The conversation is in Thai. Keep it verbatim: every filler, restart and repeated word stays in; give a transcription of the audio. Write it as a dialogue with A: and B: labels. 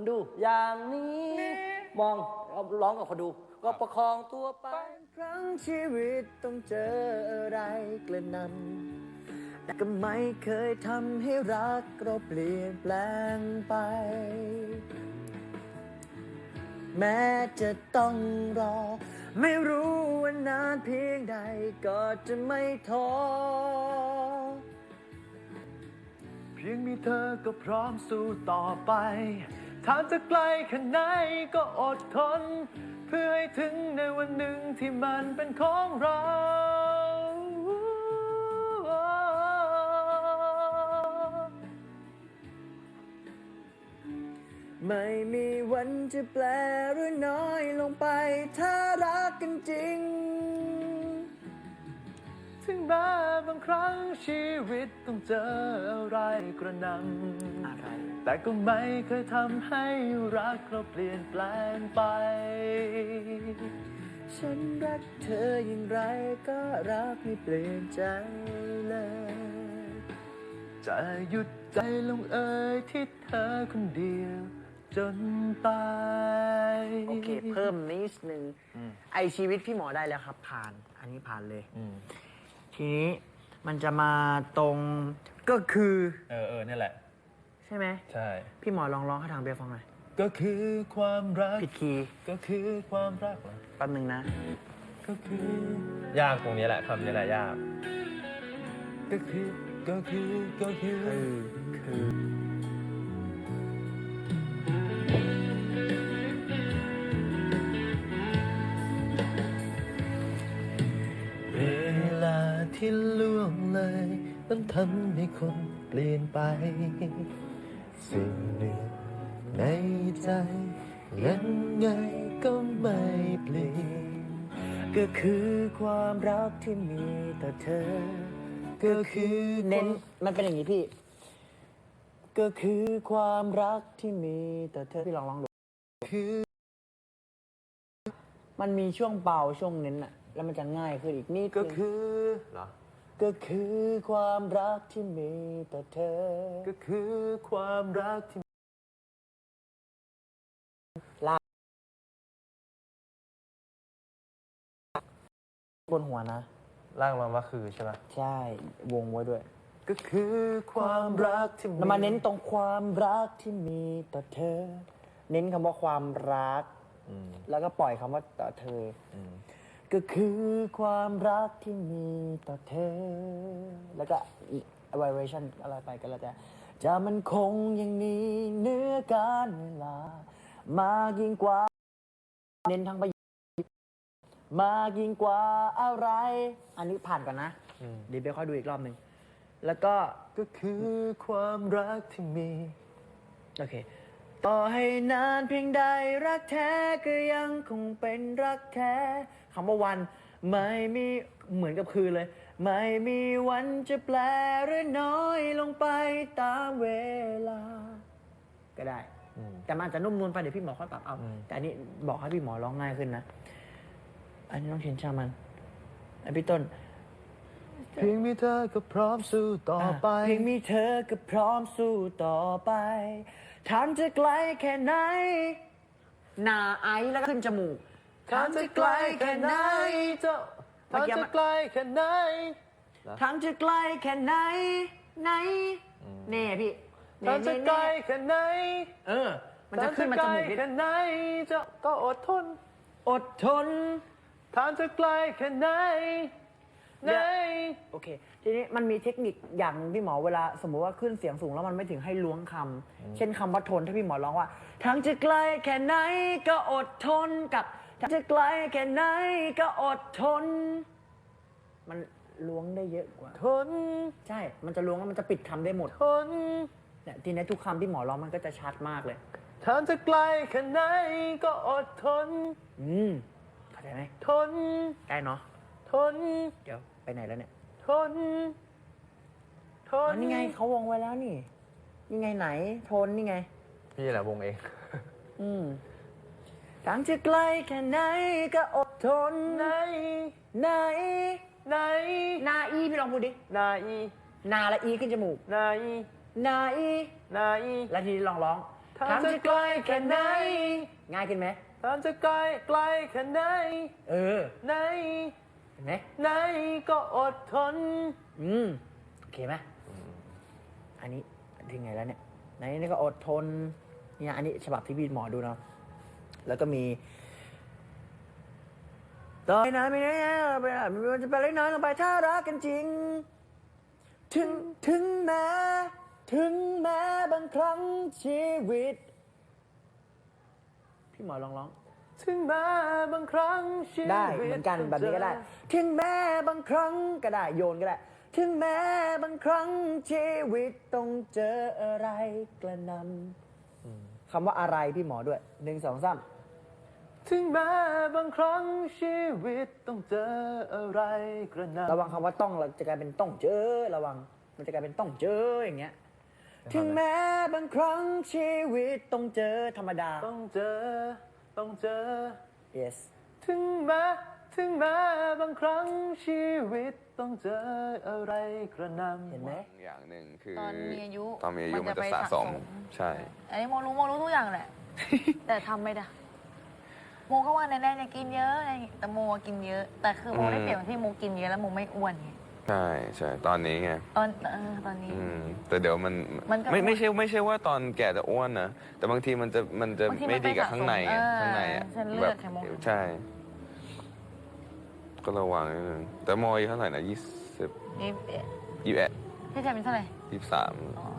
A: ดูอย่างนี้มองร้องกับคนดูก็ประคองตัวไปครั้งชีวิตต้องเจออะไรกระนำแต่ก็ไม่เคยทำให้รักเราเปลี่ยนแปลงไปแม้จะต้องรอไม่รู้ว่านานเพียงใดก็จะไม่ท้อเพียงมีเธอก็พร้อมสู้ต่อไปทางจะไกลแค่ไหนก็อดทนเพื่อให้ถึงในวันหนึ่งที่มันเป็นของเราไม่มีวันจะแปลหรือน้อยลงไปถ้ารักกันจริงถึงแม้บางครั้งชีวิตต้องเจออะไรกระนำอะไรแต่ก็ไม่เคยทำให้รักเราเปลี่ยนแปลงไปฉันรักเธออย่างไรก็รักไม่เปลี่ยนใจเลยจะหยุดใจลงเอยที่เธอคนเดียวจนตายโอเคเพิ่มนิดนึงไอชีวิตพี่หมอได้แล้วครับผ่านอันนี้ผ่านเลยทีนี้มันจะมาตรงก็คือ
B: เออเออนี่แหละ
A: ใช่ไหม
B: ใช่
A: พี่หมอลองร้องให้ทางเบียร์ฟังหน่อย
B: ก็คือความรัก
A: ผิดคีย์
B: ก็คือความรักเหรอ
A: แป๊บนึงนะ
B: ก็คือยากตรงนี้แหละคำนี้แหละยากก็คือก็คือก็คือคือเวลาที่ล่วงเลยต้องทำให้คนเปลี่ยนไปสิ่งหนึ่งในใจยังไงก็ไม่เปลี่ยนก็คือความรักที่มีต่อเธอก็คือเน้นมันเป็นอย่างนี้พี่ก็คือความรักที่มีต่อเธอพี่ลองลองดูคือมันมีช่วงเบาช่วงเน้นอะแล้วมันจะง่ายขึ้นอีกนิดก็คือเหรอก็คือความรักที่มีต่อเธอก็คือความรักที่ลากบนหัวนะล่างมาว่าคือใช่ไหม
A: ใช่วงไว้ด้วย
B: ก็คือความรักที่
A: แล้วมาเน้นตรงความรักที่มีต่อเธอเน้นคำว่าความรักแล้วก็ปล่อยคำว่าต่อเธอก็คือความรักที่มีต่อเธอแล้วก็ vibration อะไรไปก็แล้วแต่จะมันคงอย่างนี้เนื้อการเวลามากยิ่งกว่าเน้นทั้งประโยคมากยิ่งกว่าอะไรอันนี้ผ่านก่อนนะเดี๋ยวไปค่อยดูอีกรอบหนึ่งแล้วก็
B: ก็คือความรักที่มี
A: โอเคต่อให้นานเพียงใดรักแท้ก็ยังคงเป็นรักแท้คำว่าวันไม่มีเหมือนกับคืนเลยไม่มีวันจะแปลหรือน้อยลงไปตามเวลาก็ได้แต่มันอาจจะนุ่มนวลไปเดี๋ยวพี่หมอค่อยปรับเอาแต่อันนี้บอกให้พี่หมอร้องง่ายขึ้นนะอันนี้ต้องเขียนชามันอันพี่ต้น
B: เพียงมีเธอก็พร้อมสู้ต่อไป
A: เพียงมีเธอก็พร้อมสู้ต่อไปทางจะไกลแค่ไหนหน้าไอแล้วก็ขึ้นจมูก
B: ทางจะไกลแค่ไหนเจ้าทางจะไกลแค่ไหน
A: ทางจะไกลแค่ไหนไหนเน่พี่
B: ทางจะไกลแค่ไหน
A: เออมันจะขึ้นมาจมูก
B: แค่ไหนเจ้าก็อดทน
A: อดทน
B: ทางจะไกลแค่ไหนไหน
A: โอเคทีนี้มันมีเทคนิคอย่างพี่หมอเวลาสมมุติว่าขึ้นเสียงสูงแล้วมันไม่ถึงให้ล้วงคำเช่นคำว่าทนถ้าพี่หมอร้องว่าทางจะไกลแค่ไหนก็อดทนกับทางจะไกลแค่ไหนก็อดทนมันล้วงได้เยอะกว่า
B: ทน
A: ใช่มันจะล้วงแล้วมันจะปิดคำได้หมด
B: ทน
A: เนี่ยทีนี้ทุกคำที่หมอร้องมันก็จะชัดมากเลย
B: ทางจะไกลแค่ไหนก็อดทน
A: อืมเข้าใจไหม
B: ทน
A: ได้เนาะ
B: ทน
A: เดี๋ยวไปไหนแล้วเนี่ย
B: ทนทน
A: นี่ไงเขาวงไว้แล้วนี่นี่ไงไหนทนนี่ไง
B: พี่แหละวงเอง
A: อืมทางจะไกลแค่ไหนก็อดทน
B: ไหน
A: ไหน
B: ไหน
A: นาอีพี่ลองพูดดิ
B: นาอี
A: นาและอีขึ้นจมูก
B: นาอี
A: นาอี
B: นาอี
A: แล้วทีนี้ลองร้อง
B: ทางจะไกลแค่ไหน
A: ง่ายขึ้นไหม
B: ทางจะไกลไกลแค่ไหน
A: เออ
B: ไหน
A: เห็นไหม
B: ไหนก็อดทน
A: อืมโอเคไหมอันนี้ถึงไงแล้วเนี่ยในนี้ก็อดทนเนี่ยอันนี้ฉบับที่พี่หมอดูเนาะแล้วก็มีต่อไปนะไม่นะไปนะมันจะไปเล็กน้อยลงไปถ้ารักกันจริง ถึงถึงแม้ถึงแม้บางครั้งชีวิต พี่หมอลองร้อง
B: ถึงแม้บางครั้งชีวิต
A: ได้เหมือนกันแบบนี้ก็ได้ ถึงแม้บางครั้งก็ได้โยนก็ได้ ถึงแม้บางครั้งชีวิตต้องเจออะไรกระหนำคำว่าอะไรพี่หมอด้วยหนึ่งสองสาม
B: ถึงแม้บางครั้งชีวิตต้องเจออะไรกระหน่ำ
A: ระวังคำว่าต้องเราจะกลายเป็นต้องเจอระวังมันจะกลายเป็นต้องเจออย่างเงี้ย ถึงแม้บางครั้งชีวิตต้องเจอธรรมดา
B: ต้องเจอต้องเจอ
A: yes
B: ถึงแม้ถึงแม้บางครั้งชีวิตต้องเจออะไรกระหน่ำ
A: เห็นไหม
C: อย่างหนึ่งคือ
D: ตอนมีอายุ
C: ตอนมีอายุมันจะ
D: ไป
C: สะสม ใช่
D: อันนี้โมรู้โมรู้ทุกอย่างแหละ แต่ทำไม่ได้โมก็ว่าแน่ๆจะกินเยอะอะไรอย่างงี้แต่โมกินเยอะ แต่คือโมได้เปรียบที่โมกินเยอะแล้วโมไม่อ้วนไง
C: ใช่ใช่ตอนนี้ไง
D: ตอนเออตอนนี้
C: อืมแต่เดี๋ยวมัน
D: มันก็
C: ไม่
D: อ้วน
C: ไม่ใช่ไม่ใช่ว่าตอนแก่จะอ้วนนะแต่บางทีมันจะมันจะ
D: บางทีมัน
C: ไม่ดีกับ
D: ไปสะสม
C: ข้างในไง
D: เออ
C: ข้างในอ่ะ
D: เส้นเลือด
C: แบบ
D: ไขมัน
C: ใช่ ก็ระวังนิดนึงแต่โมอายุเท่าไหร่นะยี่สิบ
D: นี่เอ๊ะ
C: ยี่สิบเอ็ด
D: พี่ชายเป็นเท่าไหร่
C: ยี่สิบสาม
D: อ๋อ